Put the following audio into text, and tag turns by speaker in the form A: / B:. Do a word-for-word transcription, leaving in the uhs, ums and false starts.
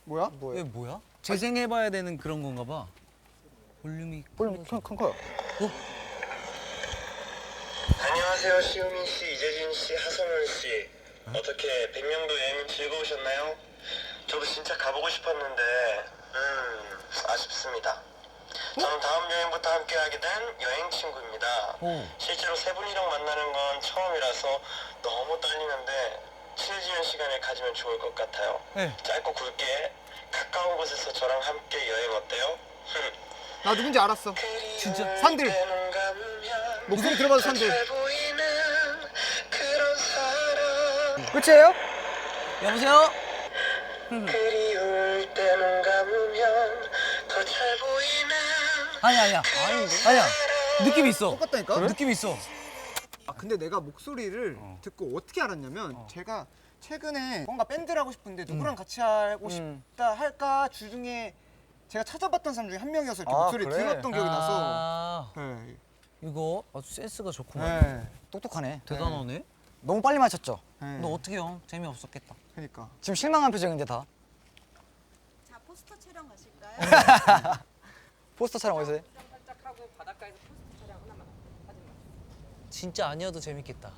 A: 뭐야?
B: 뭐야?
C: 이게 뭐야? 재생해봐야 되는 그런 건가 봐. 볼륨이
B: 볼륨 큰, 큰 커요.
D: 안녕하세요, 시우민 씨, 이재진 씨, 하성은 씨. 어떻게 백령도 여행 즐거우셨나요? 저도 진짜 가보고 싶었는데 음 아쉽습니다. 저는 다음 여행부터 함께하게 된 여행 친구입니다.
C: 오.
D: 실제로 세 분이랑 만나는 건 처음이라서 너무 떨리는데 친해지는 시간을 가지면 좋을 것 같아요.
C: 네.
D: 짧고 굵게 가까운 곳에서 저랑 함께 여행 어때요?
A: 나 누군지 알았어.
C: 진짜?
A: 산들. 목소리 들어봐도 산들.
B: 끝이에요?
C: 여보세요?
D: 그리울 때 눈 감으면 더 잘 보이는
C: 아니 아니야. 아니야. 느낌 있어.
A: 똑같다니까?
C: 느낌 있어.
A: 아 근데 내가 목소리를 듣고 어떻게 알았냐면 제가 최근에 뭔가 밴드를 하고 싶은데 누구랑 같이 하고
B: 음.
A: 싶다 할까 주중에 제가 찾아봤던 사람 중에 한 명이어서 이렇게
B: 아,
A: 목소리를
B: 그래?
A: 들었던 기억이 나서
C: 아,
A: 네.
C: 이거 아주 센스가 좋구만.
A: 네.
B: 똑똑하네.
C: 대단하네.
B: 너무 빨리 맞췄죠?
A: 네.
C: 너 어떻게 형? 재미없었겠다.
A: 그러니까
B: 지금 실망한 표정인데 다.
E: 자, 포스터 촬영 가실까요?
B: 포스터 촬영 어디서 해?
C: 진짜 아니어도 재밌겠다.